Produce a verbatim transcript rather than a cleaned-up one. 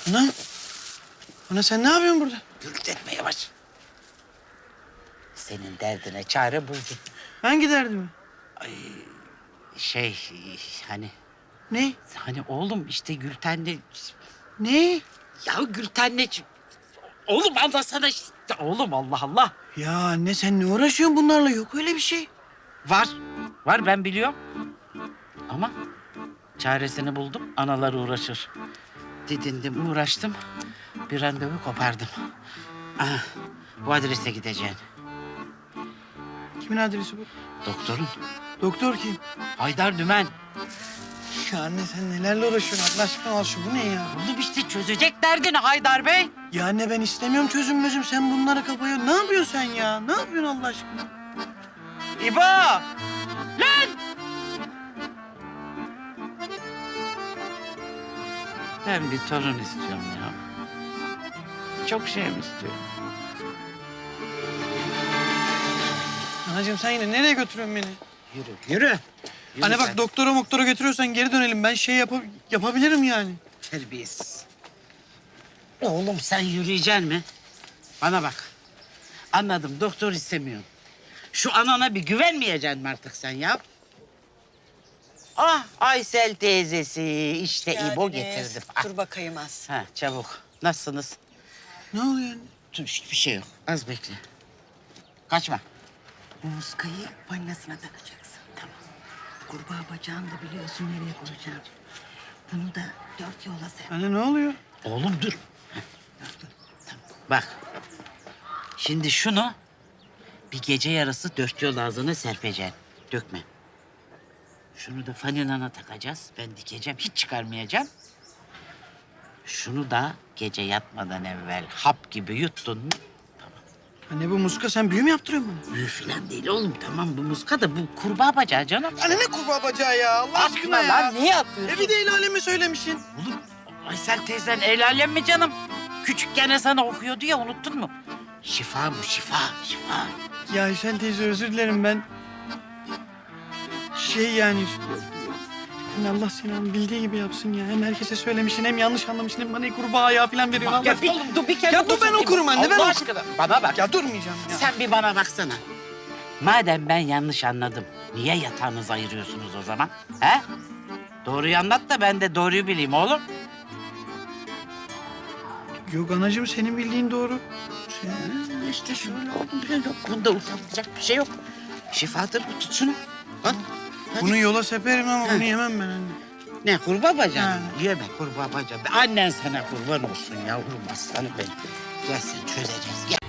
Ana. Ana sen ne yapıyorsun burada? Gürültü etme yavaş. Senin derdine çare buldum. Hangi derdimi? Şey hani Ne? hani oğlum işte Gülten'le... Ne? Ya Gülten'le... Oğlum anlasana işte. Oğlum Allah Allah. Ya anne sen ne uğraşıyorsun bunlarla? Yok öyle bir şey. Var. Var ben biliyorum. Ama çaresini buldum. Analar uğraşır. Didindim uğraştım. Bir randevu kopardım. Aha, bu adrese gideceksin. Kimin adresi bu? Doktorun. Doktor kim? Haydar Dümen. Ya anne sen nelerle uğraşıyorsun? Allah aşkına al şu. Bu ne ya? Oğlum işte çözecek derdini Haydar Bey. Ya anne ben istemiyorum çözüm mözüm. Sen bunlara kapıyorsun. Ne yapıyorsun sen ya? Ne yapıyorsun Allah aşkına? İbo! Lan! Ben bir torun istiyorum ya. Çok şey mi istiyorum? Anacığım sen yine nereye götürüyorsun beni? Yürü, yürü. Yürü Anne bak sen. doktora moktora götürüyorsan geri dönelim. Ben şey yap yapabilirim yani. Terbiyesiz. Oğlum sen yürüyeceksin mi? Bana bak. Anladım doktor istemiyorsun. Şu anana bir güvenmeyeceksin mi artık sen ya? Ah Aysel teyzesi işte İbo getirdim. Ah. Dur bakayım az. Ha çabuk. Nasılsınız? Ne oluyor anne? Dur hiçbir şey yok. Az bekle. Kaçma. Muskayı falinasına takacaksın. Tamam. Kurbağa bacağını da biliyorsun nereye koyacaksın. Bunu da dört yola sen. Anne ne oluyor? Oğlum dur. Heh, dur, dur. Tamam. Bak. Şimdi şunu bir gece yarısı dört yol ağzına serpeceksin. Dökme. Şunu da falinana takacağız. Ben dikeceğim. Hiç çıkarmayacağım. Şunu da gece yatmadan evvel hap gibi yuttun mu? Anne bu muska sen büyü mü yaptırıyorsun bana? Büyü falan değil oğlum. Tamam bu muska da bu kurbağa bacağı canım. Anne ne kurbağa bacağı ya? Allah aşkına ya. lan niye atıyorsun? E bir de el alemi söylemişsin. Oğlum Aysel teyzen el alem mi canım? Küçükken sana okuyordu ya unuttun mu? Şifa bu şifa şifa. Ya Hüseyin teyze özür dilerim ben. Şey yani... Yani Allah seni bildiği gibi yapsın ya. Hem herkese söylemişsin hem yanlış anlamışsın hem bana kurbağa ayağı falan veriyorsun. Allah Ya aşkına. oğlum dur bir kere Ya dur ben okurum anne, ben Allah oku- aşkına bana bak. Ya durmayacağım ya. Sen bir bana baksana. Madem ben yanlış anladım, niye yatağınızı ayırıyorsunuz o zaman? He? Doğruyu anlat da ben de doğruyu bileyim oğlum. Yok anacığım senin bildiğin doğru. Sen... Hı, İşte şöyle oğlum bir şey yok. Bunda utanılacak bir şey yok. Şifadır bu tut şunu. Al. Hadi. Bunu yola seperim ama Hı. bunu yemem ben anne. Ne kurbağa bacağı mı? Ha. Yeme kurbağa bacağı. Annen sana kurban olsun yavrum aslanım benim. Gel sen çözeceğiz gel.